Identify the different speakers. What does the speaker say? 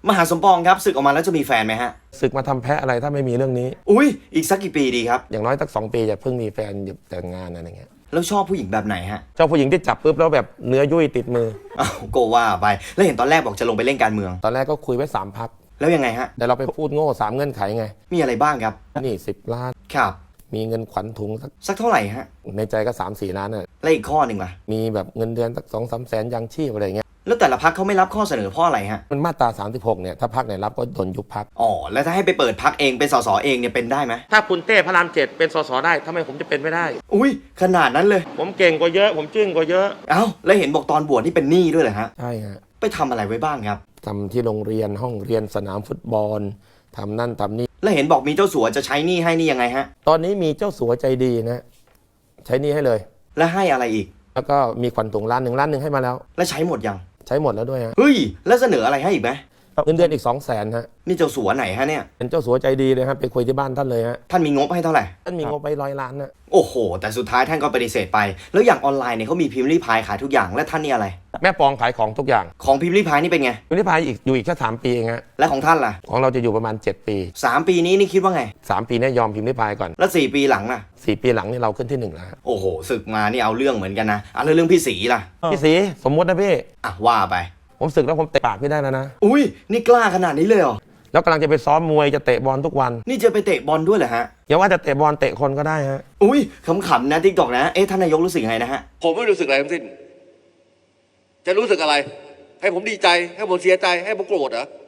Speaker 1: มหาสมปองครับศึกออกมาแล้วจะมีแฟนไหมฮะ
Speaker 2: ศึกมาทำแพะอะไรถ้าไม่มีเรื่องนี้
Speaker 1: อุ้ยอีกสักกี่ปีดีครับ
Speaker 2: อย่างน้อยสัก2 ปีจะเพิ่งมีแฟนแต่งงานอะไรเงี้ย
Speaker 1: แล้วชอบผู้หญิงแบบไหนฮะ
Speaker 2: เจ้าผู้หญิงที่จับปุ๊บแล้วแบบเนื้อยุ่ยติดมือ
Speaker 1: อ้าวก็ว่าไปแล้วเห็นตอนแรกบอกจะลงไปเล่นการเมือง
Speaker 2: ตอนแรกก็คุยไว้3 พัก
Speaker 1: แล้วยังไงฮะ
Speaker 2: แต่เราไปพูดโง่3 เงื่อนไขไง
Speaker 1: มีอะไรบ้างครับ
Speaker 2: นี่10 ล้าน
Speaker 1: ครับ
Speaker 2: มีเงินขวัญถุง
Speaker 1: สักเท่าไหร่ฮะ
Speaker 2: ในใจก็3-4 ล้านน่ะ
Speaker 1: แล้วอีกข้อหนึ่งล่ะ
Speaker 2: มีแบบเงินเดือนสัก2-3 แสนยังชีพอะไรเงี้ย
Speaker 1: แล้วแต่ละพักเขาไม่รับข้อเสนอเพราะอะไรฮะ
Speaker 2: มันมาตรา36เนี่ยถ้าพักไหนรับก็โดนยุบพัก
Speaker 1: อ๋อแล้วถ้าให้ไปเปิดพักเองเป็นสสเองเนี่ยเป็นได้ไหม
Speaker 2: ถ้าคุณเต้พระราม7เป็นสสได้ทำไมผมจะเป็นไม่ได้
Speaker 1: อุ้ยขนาดนั้นเลย
Speaker 2: ผมเก่งกว่าเยอะผมจึ้งกว่าเยอะ
Speaker 1: เอ้าแล้วเห็นบอกตอนบวชนี่เป็นหนี้ด้วยเหรอฮะ
Speaker 2: ใช่ฮะ
Speaker 1: ไปทำอะไรไว้บ้างครับ
Speaker 2: ทำที่โรงเรียนห้องเรียนสนามฟุตบอลทำนั่นทำนี่
Speaker 1: แล้วเห็นบอกมีเจ้าสัวจะใช้หนี้ให้นี่ยังไงฮะ
Speaker 2: ตอนนี้มีเจ้าสัวใจดีนะใช้หนี้ให้เลย
Speaker 1: แล้วให้อะไรอีก
Speaker 2: แล้วก็มีขวัญถุง1 ล้านให้มาแล้ว
Speaker 1: แล้วใช้หมดยัง
Speaker 2: ใช้หมดแล้วด้วยฮะ
Speaker 1: เฮ้ยแล้วเสนออะไรให้อีกไหม
Speaker 2: เงินเดือนอีก200,000ฮะ
Speaker 1: นี่เจ้าสัวไหนฮะเนี่ย
Speaker 2: เป็นเจ้าสัวใจดีเลยครับไปคุยที่บ้านท่านเลยฮะ
Speaker 1: ท่านมีงบให้เท่าไหร่
Speaker 2: ท่านมีงบไป100 ล้านนะ
Speaker 1: โอ้โหแต่สุดท้ายท่านก็ปฏิเสธไปแล้วอย่างออนไลน์เนี่ยเขามีพิมพ์รีพายขายทุกอย่างและท่านนี่อะไร
Speaker 2: แม่ปองขายของทุกอย่าง
Speaker 1: ของพิมพ์รีพายนี่เป็นไง
Speaker 2: พิมพ์ริพายอยู่อีกแค่3 ปีเองฮะ
Speaker 1: และของท่านล่ะ
Speaker 2: ของเราจะอยู่ประมาณ7 ปี
Speaker 1: 3 ปีนี้นี่คิดว่าไง
Speaker 2: 3 ปีเนี่ยยอมพิมพ์ริพายก่อน
Speaker 1: แล้ว4 ปีหลังล่ะ
Speaker 2: 4 ปีหลังนี่เราขึ้นที่1แล้ว
Speaker 1: โอ้โหศึกมานี่เอาเรื่องเหมือนกันนะแล้วเรื่องพี่ศรีล่ะ
Speaker 2: พี่ศรีสมมุตินะพี่
Speaker 1: ว่าไป
Speaker 2: ผมศึกแล้วผมเตะปากพี่ได้แล้วนะ
Speaker 1: อุ้ยนี่กล้าขนาดนี้เลยเหรอ
Speaker 2: แล้วกำลังจะไปซ้อมมวยจะเตะบอลทุกวัน
Speaker 1: นี่จะไปเตะบอลด้วยเหรอฮะ
Speaker 2: อย่าว่าจะเตะบอลเตะคนก็ได้ฮะ
Speaker 1: อุ้ยขำๆนะติ๊กตอกนะท่านนายกรู้สึกยังไงนะฮะ
Speaker 3: ผมไม่รู้สึกอะไรทั้งสิ้นจะรู้สึกอะไรให้ผมดีใจให้ผมเสียใจให้ผมโกรธเหรอ